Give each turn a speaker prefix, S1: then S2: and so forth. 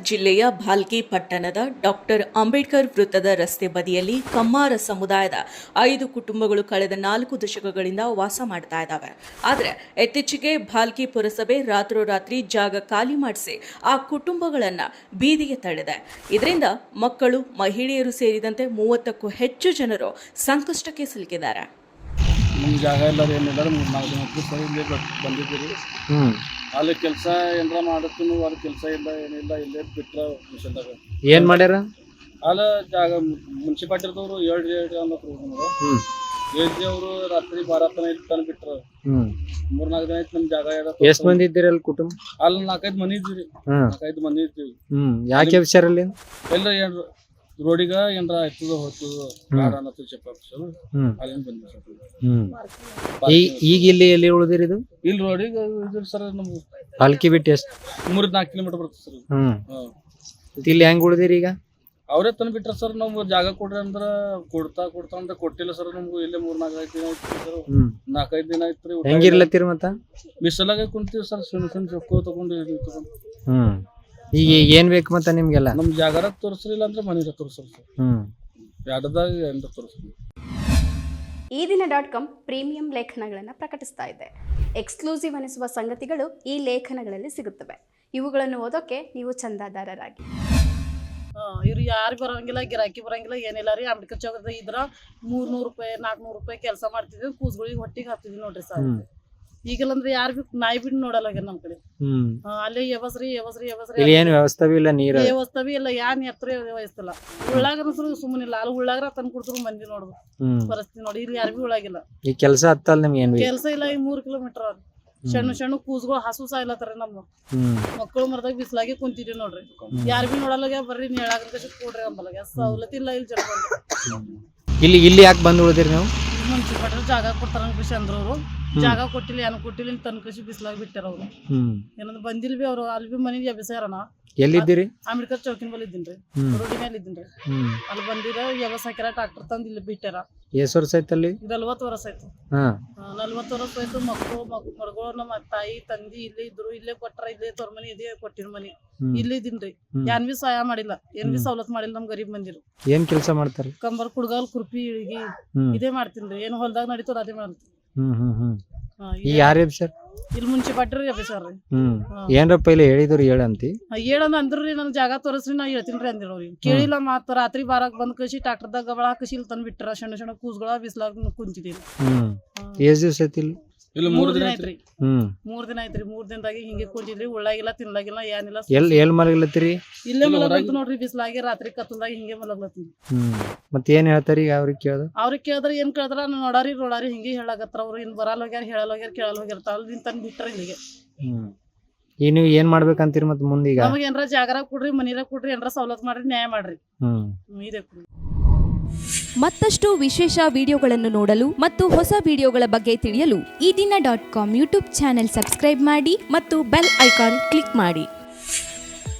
S1: ಜಿಲ್ಲೆಯ ಭಾಲ್ಕಿ ಪಟ್ಟಣದ ಡಾಕ್ಟರ್ ಅಂಬೇಡ್ಕರ್ ವೃತ್ತದ ರಸ್ತೆ ಬದಿಯಲ್ಲಿ ಕಮ್ಮಾರ ಸಮುದಾಯದ 5 ಕುಟುಂಬಗಳು ಕಳೆದ 4 ದಶಕಗಳಿಂದ ವಾಸ ಮಾಡ್ತಾ ಇದ್ದಾವೆ. ಆದರೆ ಇತ್ತೀಚೆಗೆ ಭಾಲ್ಕಿ ಪುರಸಭೆ ರಾತ್ರೋರಾತ್ರಿ ಜಾಗ ಖಾಲಿ ಮಾಡಿಸಿ ಆ ಕುಟುಂಬಗಳನ್ನು ಬೀದಿಗೆ ತಳ್ಳಿದೆ. ಇದರಿಂದ ಮಕ್ಕಳು, ಮಹಿಳೆಯರು ಸೇರಿದಂತೆ 30ಕ್ಕೂ ಹೆಚ್ಚು ಜನರು ಸಂಕಷ್ಟಕ್ಕೆ ಸಿಲುಕಿದ್ದಾರೆ.
S2: ನಮ್ಮ ಜಾಗ ಎಲ್ಲರೂ ಏನಿಲ್ಲ 3-4 ದಿನಕ್ಕೆ ಸರಿ ಇಲ್ಲೇ ಬಂದಿದ್ದೀರಿ. ಅಲ್ಲಿ ಕೆಲಸ ಏನಾರ ಮಾಡತ್ತೀವಿ, ಅಲ್ಲಿ ಕೆಲಸ ಇಲ್ಲ ಏನಿಲ್ಲ, ಇಲ್ಲೇ ಬಿಟ್ರೆ ಮಿಷನ್ದಾಗ
S3: ಏನು ಮಾಡ್ಯಾರ.
S2: ಅಲ್ಲಿ ಜಾಗ ಮುನ್ಸಿಪಾಲ್ಟಿದವರು 7 ಅನ್ನೋರು ನಮಗೆ ಏಜಿ ಅವರು ರಾತ್ರಿ 12 ತನಕ ಬಿಟ್ರು. 3-4 ದಿನ ಆಯ್ತು ನಮ್ಮ ಜಾಗ.
S3: ಎಷ್ಟು ಮಂದಿ ಇದ್ದೀರಿ ಅಲ್ಲಿ ಕುಟುಂಬ?
S2: ಅಲ್ಲಿ 4-5 ಮನೆ ಇದ್ದೀರಿ. 4-5 ಮಂದಿ ಇರ್ತೀವಿ.
S3: ಯಾಕೆ ವಿಚಾರಲ್ಲಿ
S2: ಎಲ್ಲ ಏನ್ರ ರೋಡಿಗ ಏನ್ರ ಆಯ್ತದ ಹೋಗ್ತದ ಬೇಡ ಅನ್ನೋದು చెప్పారు. ಅಲ್ಲಿಂದ ಬಂದ್ವಿ.
S3: ಈಗ ಇಲ್ಲಿ ಎಲ್ಲಿ ಉಳಿದಿರಿ? ಇದು
S2: ಇಲ್ಲಿ ರೋಡಿಗೆ ಇದ್ರಿ ಸರ್. ನಮ್ಗೆ
S3: ಭಾಲ್ಕಿ ಬಿಟ್ಟು ಎಷ್ಟು
S2: 3-4 ಕಿಲೋಮೀಟರ್ ಬರ್ತದೆ ಸರ್.
S3: ಇಲ್ಲಿ ಹೆಂಗ್ ಉಳಿದಿರಿ? ಈಗ
S2: ಅವರೇ ತಂದು ಬಿಟ್ರ ಸರ್. ನಮ್ಗೆ ಜಾಗ ಕೊಡ್ರಿ ಅಂದ್ರೆ ಕೊಡ್ತಾ ಅಂದ್ರೆ ಕೊಟ್ಟಿಲ್ಲ ಸರ್. ನಮ್ಗೆ ಇಲ್ಲೇ 3-4 ದಿನ ಆಯ್ತು ಸರ್. 4-5 ದಿನ ಆಯ್ತು.
S3: ಹೆಂಗಿರ್ಲತ್ತೀರಿ ಮತ್ತ?
S2: ಬಿಸಲಾಗ ಕುಂತೀವಿ ಸರ್. ಸುಣ್ಣ ಚೊಕ್ಕೋ ತಗೊಂಡು
S3: ಈಗ ಏನ್ ಬೇಕು ಮತ್ತ ನಿಮ್ಗೆಲ್ಲ?
S2: ನಮ್ ಜಾಗರ ತೋರಿಸ್ಲಿಲ್ಲ ಅಂದ್ರೆ ಮನೆ ತೋರಿಸ್ರಿ ಸರ್. ಎರಡದಾಗ ಎಂತ ತೋರಿಸ್ರಿ.
S4: ಈ ದಿನ.com ಪ್ರೀಮಿಯಂ ಲೇಖನಗಳನ್ನು ಪ್ರಕಟಿಸ್ತಾ ಇದೆ. ಎಕ್ಸ್ಕ್ಲೂಸಿವ್ ಅನಿಸುವ ಸಂಗತಿಗಳು ಈ ಲೇಖನಗಳಲ್ಲಿ ಸಿಗುತ್ತವೆ. ಇವುಗಳನ್ನು ಓದೋಕೆ ನೀವು ಚಂದಾದಾರರಾಗಿ.
S5: ಇವ್ರು ಯಾರು ಬರೋಂಗಿಲ್ಲ, ಗಿರಾಕಿ ಬರೋಂಗಿಲ್ಲ, ಏನಿಲ್ಲ ರೀ. ಅಂಬೇಡ್ಕರ್ ಚೌಕದ ಇದ್ರ 300 ರೂಪಾಯಿ 400 ರೂಪಾಯಿ ಕೆಲಸ ಮಾಡ್ತಿದ್ವಿ. ಕೂಸ್ಗಳಿಗೆ ಹೊಟ್ಟಿಗೆ ಹಾಕ್ತಿದ್ವಿ ನೋಡ್ರಿ ಸರ್. ಈಗಲಂದ್ರೆ ಯಾರು ಬಿ ನಾಯಿ ಬಿಟ್ಟು ನೋಡಲ್ಲ ನಮ್ ಕಡೆ. ಅಲ್ಲಿ ವ್ಯವಸ್ರಿ
S3: ವ್ಯವಸ್ಥೆ ಇಲ್ಲ, ನೀರು
S5: ವ್ಯವಸ್ಥೆ ಇಲ್ಲ, ಯಾನ್ ಎತ್ತರ ವ್ಯವಸ್ಥಿಲ್ಲ. ಉಳ್ಳಾಗ ಸುಮ್ಮನಿಲ್ಲ. ಅಲ್ಲಿ ಉಳ್ಳಾಗ್ರ ತಂದು ಕೊಡ್ತಾರ ಮಂದಿ ನೋಡುದು ಪರಿಸ್ಥಿತಿ ನೋಡಿ. ಇಲ್ಲಿ ಯಾರು ಬಿ ಉಳ್ಳಾಗಿಲ್ಲ.
S3: ಈ ಕೆಲಸ ಹತ್ತಲ್ಲ ನಿಮ್ಗೆ? ಏನ್
S5: ಕೆಲಸ ಇಲ್ಲ. ಈ 3 ಕಿಲೋಮೀಟರ್ ಸಣ್ಣ ಕೂಸ್ಗಳು ಹಸು ಸಾಯ್ಲತ್ತಾರ. ನಮ್ಮ ಮಕ್ಕಳು ಮರದಾಗ ಬಿಸ್ಲಾಗಿ ಕುಂತಿದ್ವಿ ನೋಡ್ರಿ. ಯಾರು ಬಿ ನೋಡಲ್ಲ. ಬರ್ರಿ ಹೇಳಾಗ ಕೊಡ್ರಿ ಅಂಬಲ್ಲ. ಸವಲತ್ತು ಇಲ್ಲ ಇಲ್ಲಿ ಜನ.
S3: ಇಲ್ಲಿ ಯಾಕೆ ಬಂದ್ ಉಳಿದಿರಿ ನೀವು?
S5: ಮುನ್ಸಿಪಾಲ್ಟಿ ಜಾಗ ಕೊಡ್ತಾರ ಕೃಷಿ ಅಂದ್ರವ್ರು. ಜಾಗ ಕೊಟ್ಟಿಲ್ಲ, ಏನು ಕೊಟ್ಟಿಲ್ಲ, ತನ್ನ ಕೃಷಿ ಬಿಸ್ಲಾಗಿ ಬಿಟ್ಟಾರ ಅವ್ರು. ಏನಂದ್ರೆ ಬಂದಿಲ್ ಬಿ ಅವ್ರು. ಅಲ್ಲಿ ಬಿ ಮನೆಗೆ ಎಬ್ಬಿಸ್ಯಾರನ.
S3: ಎಲ್ಲಿದ್ದೀರಿ?
S5: ಅಂಬೇಡ್ಕರ್ ಚೌಕಿನ ಬಲ್ಲಿ ಇದ್ದೀನ್ರಿ. ರೋಡಿ ಮೇಲೆ ಇದ್ದೀನ್ರಿ. ಅಲ್ಲಿ ಬಂದಿರ ವ್ಯವಸ್ಥೆ ಹಾಕ್ಯಾರ. ಟ್ರಾಕ್ಟರ್ ತಂದು ಇಲ್ಲಿ ಬಿಟ್ಟಾರ.
S3: ಎಷ್ಟು ವರ್ಷ ಆಯ್ತು ಅಲ್ಲಿ?
S5: 40 ವರ್ಷ ಆಯ್ತು. 40 ವರ್ಷ ಆಯ್ತು. ಮಕ್ಕಳು ಮಗಳು ನಮ್ಮ ತಾಯಿ ತಂದಿ ಇಲ್ಲೇ ಇದ್ರು. ಇಲ್ಲೇ ಕೊಟ್ಟಾರ. ಇಲ್ಲೇ ತೋರ್ ಮನಿ ಇದೇ ಕೊಟ್ಟಿರ ಮನಿ. ಇಲ್ಲಿ ಇದೀನ್ರಿ. ಏನ್ ಬಿ ಸಹಾಯ ಮಾಡಿಲ್ಲ, ಏನ್ ಬಿ ಸವಲತ್ತು ಮಾಡಿಲ್ಲ. ನಮ್ ಗರೀಬ್ ಮಂದಿರು
S3: ಏನ್ ಕೆಲಸ ಮಾಡ್ತಾರೆ?
S5: ಕಂಬರ್ ಕುಡ್ಗಾಲ್ ಕುರ್ಪಿ ಇಳಿಗಿ ಇದೇ ಮಾಡ್ತೀನ್ರಿ. ಏನು ಹೊಲ್ದಾಗ ನಡೀತಾರ ಅದೇ ಮಾಡ್ತೀನಿ. ಇಲ್ಲಿ ಮುನ್ಸಿಪಾಲ್ಟಿ ಎಬ್ಬಿಸ್ಯಾರ್ರಿ.
S3: ಏನ್ರಪ್ಪ ಇಲ್ಲಿ ಹೇಳಿದ್ರು ಹೇಳಂತಿ?
S5: ಹೇಳಂದ ಅಂದ್ರಿ. ನನ್ ಜಾಗ ತೋರಿಸ್ರಿ ನಾ ಹೇಳ್ತೀನ್ರಿ ಅಂದಿರೋರಿ. ಕೇಳಿಲ್ಲ. ಮಾತ್ರ ರಾತ್ರಿ 12 ಬಂದ್ ಕಸಿ ಟ್ರಾಕ್ಟರ್ದಾಗ ಗಬಳ ಹಾಕಿ ಇಲ್ಲಿ ತಂದ್ ಬಿಟ್ಟಾರ. ಸಣ್ಣ ಕೂಸ್ಗಳ ಬಿಸ್ಲಾಗ ಕುಂತಿದ್ದೀನಿ.
S3: ಎಷ್ಟ್ ದಿವಸ ಐತಿ ಇಲ್ಲಿ?
S2: ಇಲ್ಲಿ 3 ದಿನ
S5: ಆಯ್ತ್ರಿ. 3 ದಿನ ಆಯ್ತ್ರಿ. 3 ದಿನದಾಗ ಹಿಂಗೆ ಕುಂತಿದ್ರಿ. ಉಳ್ಳಾಗಿಲ್ಲ, ತಿನ್ಲಾಗಿಲ್ಲ, ಏನಿಲ್ಲ.
S3: ಎಲ್ ಮಲಗ್ಲತ್ತೀರಿ?
S5: ಇಲ್ಲೇ ಮಲಗ್ಲತ್ತ ನೋಡ್ರಿ. ಬಿಸ್ಲಾಗಿ ರಾತ್ರಿ ಕತ್ತಲ್ದಾಗ ಹಿಂಗೆ ಮಲಗ್ಲತ್ತೀನಿ.
S3: ಮತ್ ಏನ್ ಹೇಳ್ತಾರ ಈಗ? ಅವ್ರಿಗೆ ಕೇಳಿದ್ರ
S5: ಏನ್ ಕೇಳಿದ್ರ ನೋಡಾರಿ ಹಿಂಗೆ ಹೇಳಾಕತ್ರ. ಅವ್ರು ಇನ್ ಬರಲ್ಲ ಹೋಗ್ಯಾರ, ಹೇಳಲ್ಲ ಹೋಗ್ಯಾರ, ಕೇಳಲ್ಲ ಹೋಗ್ಯಾರ. ಅಲ್ಲಿ ತಂದ್ ಬಿಟ್ಟಾರ ಇಲ್ಲಿಗೆ.
S3: ಈಗ ನೀವು ಏನ್ ಮಾಡ್ಬೇಕಂತೀರಿ ಮತ್ ಮುಂದೀಗ?
S5: ನಮಗೆ ಏನ್ರ ಜಾಗರ ಕೊಡ್ರಿ, ಮನಿರ ಕೊಡ್ರಿ, ಏನ್ರ ಸವಲತ್ತು ಮಾಡ್ರಿ, ನ್ಯಾಯ ಮಾಡ್ರಿ. ಇದೇ ಕೊಡ್ರಿ.
S6: ಮತ್ತಷ್ಟು ವಿಶೇಷ ವಿಡಿಯೋಗಳನ್ನು ನೋಡಲು ಮತ್ತು ಹೊಸ ವಿಡಿಯೋಗಳ ಬಗ್ಗೆ ತಿಳಿಯಲು ಈ ದಿನ.com ಯೂಟ್ಯೂಬ್ ಚಾನೆಲ್ ಸಬ್ಸ್ಕ್ರೈಬ್ ಮಾಡಿ ಮತ್ತು ಬೆಲ್ ಐಕಾನ್ ಕ್ಲಿಕ್ ಮಾಡಿ.